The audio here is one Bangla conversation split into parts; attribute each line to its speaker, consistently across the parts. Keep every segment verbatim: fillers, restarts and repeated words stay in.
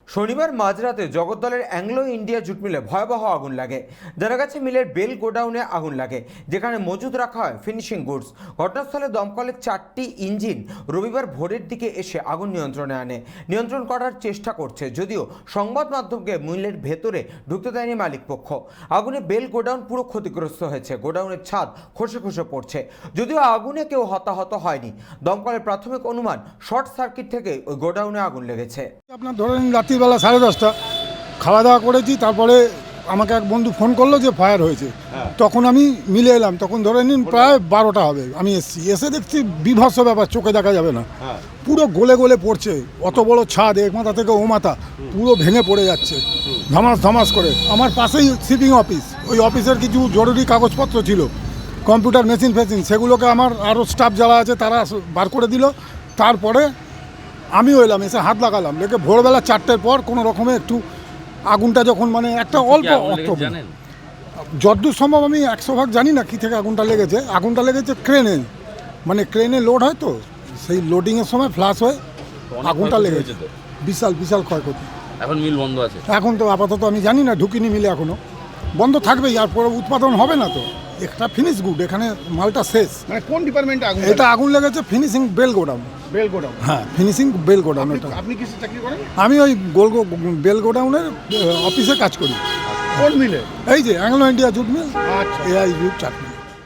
Speaker 1: শনিবার মাঝরাতে জগদ্দলের অ্যাংলো ইন্ডিয়া জুট মিলে ভয়াবহ আগুন লাগে। জানা গেছে মিলের বেল গোডাউনে আগুন লাগে, যেখানে মজুদ রাখা হয় ফিনিশিং গুডস। ঘটনাস্থলে দমকলের চারটি ইঞ্জিন রবিবার ভোরের দিকে এসে আগুন নিয়ন্ত্রণে আনে নিয়ন্ত্রণ করার চেষ্টা করছে, যদিও সংবাদ মাধ্যমকে মিলের ভেতরে ঢুকতে দেয়নি মালিক পক্ষ। আগুনে বেল গোডাউন পুরো ক্ষতিগ্রস্ত হয়েছে, গোডাউনের ছাদ খসে খসে পড়ছে। যদিও আগুনে কেউ হতাহত হয়নি। দমকলের প্রাথমিক অনুমান শর্ট সার্কিট থেকে ওই গোডাউনে আগুন লেগেছে।
Speaker 2: আপনার ধরেন রাত্রিবেলা সাড়ে দশটা খাওয়া দাওয়া করেছি, তারপরে আমাকে এক বন্ধু ফোন করলো যে ফায়ার হয়েছে। তখন আমি মিলে এলাম, তখন ধরে নিন প্রায় বারোটা হবে। আমি এসছি, এসে দেখছি বিভৎস ব্যাপার, চোখে দেখা যাবে না, পুরো গলে গলে পড়ছে। অত বড় ছাদ, এক মাথা থেকে ও মাথা পুরো ভেঙে পড়ে যাচ্ছে ধমাস ধমাস করে। আমার পাশেই শিপিং অফিস, ওই অফিসের কিছু জরুরি কাগজপত্র ছিল, কম্পিউটার মেশিন ফেসিন, সেগুলোকে আমার আরও স্টাফ যারা আছে তারা বার করে দিল। তারপরে আমিও এলাম, এসে হাত লাগালাম, লেগে ভোরবেলা চারটের পর কোনো রকমে একটু আগুনটা যখন মানে একটা অল্প অল্প যতদূর সম্ভব আমি একশো ভাগ জানি না কী থেকে আগুনটা লেগেছে। আগুনটা লেগেছে ক্রেনে, মানে ক্রেনে লোড হয় তো, সেই লোডিংয়ের সময় ফ্লাশ হয়ে আগুনটা লেগেছে। বিশাল বিশাল ক্ষয়ক্ষতি।
Speaker 3: এখন মিল বন্ধ আছে?
Speaker 2: এখন তো আপাতত আমি জানি না, ঢুকিনি মিলে, এখনও বন্ধ থাকবেই, আর পরে উৎপাদন হবে না তো। একটা ফিনিশ গুড, এখানে মালটা শেষ।
Speaker 4: মানে কোন ডিপার্টমেন্টে আগুন?
Speaker 2: এটা আগুন লেগেছে finishing bale godown.
Speaker 4: Bale godown?
Speaker 2: হ্যাঁ, ফিনিশিং বেল গোডাউন। এটা
Speaker 4: আপনি কিসে চাকরি করেন?
Speaker 2: আমি ওই গোল বেল গোডাউনের অফিসে কাজ করি।
Speaker 4: কোন মিলে?
Speaker 2: এই যে অ্যাংলো ইন্ডিয়া জুট মিল,
Speaker 4: আচ্ছা।
Speaker 2: এআই জুট চাটনি।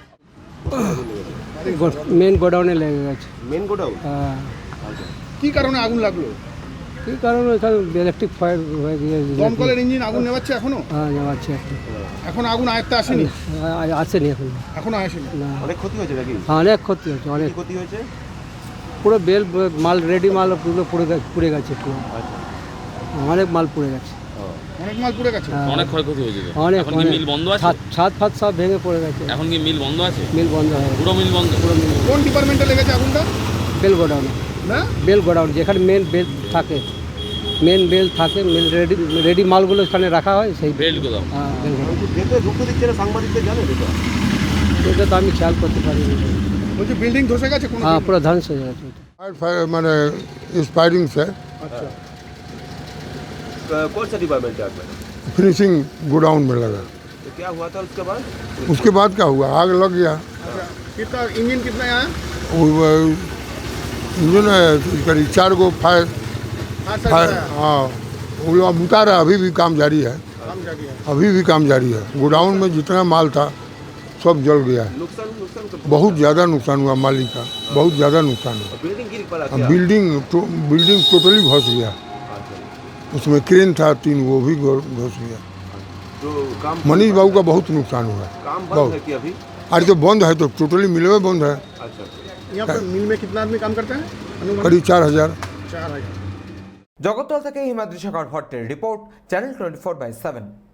Speaker 5: মেন গোডাউনে লেগে গেছে।
Speaker 4: Main godown?
Speaker 5: হ্যাঁ।
Speaker 4: কি কারণে আগুন লাগলো?
Speaker 5: কী কারণে এখানে ইলেকট্রিক ফায়ার হয়ে গিয়েছে।
Speaker 4: দমকলের ইঞ্জিন আগুন নেভাচ্ছে এখনো?
Speaker 5: হ্যাঁ, নেওয়াচ্ছে এখন।
Speaker 4: এখন আগুন আয়ত্তে আসেনি?
Speaker 5: আ- আসেনি এখন।
Speaker 4: এখনো আসেনি?
Speaker 5: না,
Speaker 4: অনেক ক্ষতি হয়েছে নাকি?
Speaker 5: হ্যাঁ, অনেক ক্ষতি হচ্ছে, অনেক
Speaker 4: ক্ষতি হয়েছে?
Speaker 5: পুরো বেল মাল রেডি মাল পুরো পুড়ে গেছে, পুড়ে গেছে পুরো। অনেক মাল পুড়ে গেছে,
Speaker 4: অনেক মাল পুড়ে গেছে?
Speaker 5: হ্যাঁ।
Speaker 3: অনেক ক্ষয়ক্ষতি হয়েছে তো।
Speaker 5: অনেক
Speaker 3: এখন কি
Speaker 5: অনেক।
Speaker 3: মিল বন্ধ আছে?
Speaker 5: ছাদ ছাদ ফাদ সব ভেঙে পড়ে গেছে।
Speaker 3: এখন কি মিল বন্ধ আছে?
Speaker 5: মিল বন্ধ হয়ে গেছে,
Speaker 3: পুরো মিল বন্ধ?
Speaker 5: পুরো মিল বন্ধ।
Speaker 4: কোন ডিপার্টমেন্টে লেগেছে আগুনটা?
Speaker 5: বেল গোডাউনে।
Speaker 4: না,
Speaker 5: বেল গোডাউন যেখানে মেন বেল থাকে, মেন বেল থাকে, মেন রেডি রেডি মালগুলো এখানে রাখা হয়, সেই
Speaker 3: বেল্ট গোদাম।
Speaker 5: হ্যাঁ, বেল গোডাউন।
Speaker 4: ভেতরে ঢুকতে দিচ্ছে না, সাংবাদিকদের জানে এটা?
Speaker 5: এটা তো আমি খেয়াল করতে পারিনি।
Speaker 4: বলছি বিল্ডিং ধসে গেছে কোনো?
Speaker 5: হ্যাঁ, পুরো ধ্বংস হয়ে গেছে।
Speaker 6: फायर फायर मैंने इंस्पायरिंग से
Speaker 4: अच्छा।
Speaker 7: कौन सा डिपार्टमेंट है आपका?
Speaker 6: फिनिशिंग गोडाउन में लगा।
Speaker 7: तो क्या हुआ था उसके बाद?
Speaker 6: उसके बाद क्या हुआ, आग लग गया।
Speaker 4: अच्छा, कितना इंजन कितना आया?
Speaker 6: वो- वो इंजन है करीब चार गो फायर
Speaker 4: हाँ सर,
Speaker 6: फायर
Speaker 4: आया।
Speaker 6: हाँ, वो लोग अब उतारा, अभी भी काम जारी है,
Speaker 4: काम जारी है।
Speaker 6: अभी भी काम जारी है। गोडाउन में जितना माल था सब जल गया है।
Speaker 7: नुकसान नुकसान तो
Speaker 6: बहुत ज़्यादा नुकसान हुआ, मालिक का बहुत ज़्यादा नुकसान हुआ।
Speaker 7: बिल्डिंग गिर पड़ा
Speaker 6: अब
Speaker 7: क्या?
Speaker 6: बिल्डिंग तो, बिल्डिंग टोटली घुस गया, उसमें क्रेन था तीन, वो भी घुस गया।
Speaker 7: तो काम
Speaker 6: मनीष बाबू का बहुत नुकसान हुआ है।
Speaker 7: काम बंद
Speaker 6: बहुत।
Speaker 7: है कि अभी?
Speaker 6: अरे तो बंद है, तो टोटली मिल में बंद है।
Speaker 7: अच्छा।
Speaker 4: यहाँ पर मिल में कितना आदमी काम करते हैं अनुमान?
Speaker 6: करीब चार हजार।
Speaker 4: चार हजार।
Speaker 1: জগদ্দল থেকে হিমাদ্রি শেখর ভট্টের report, channel twenty four by seven.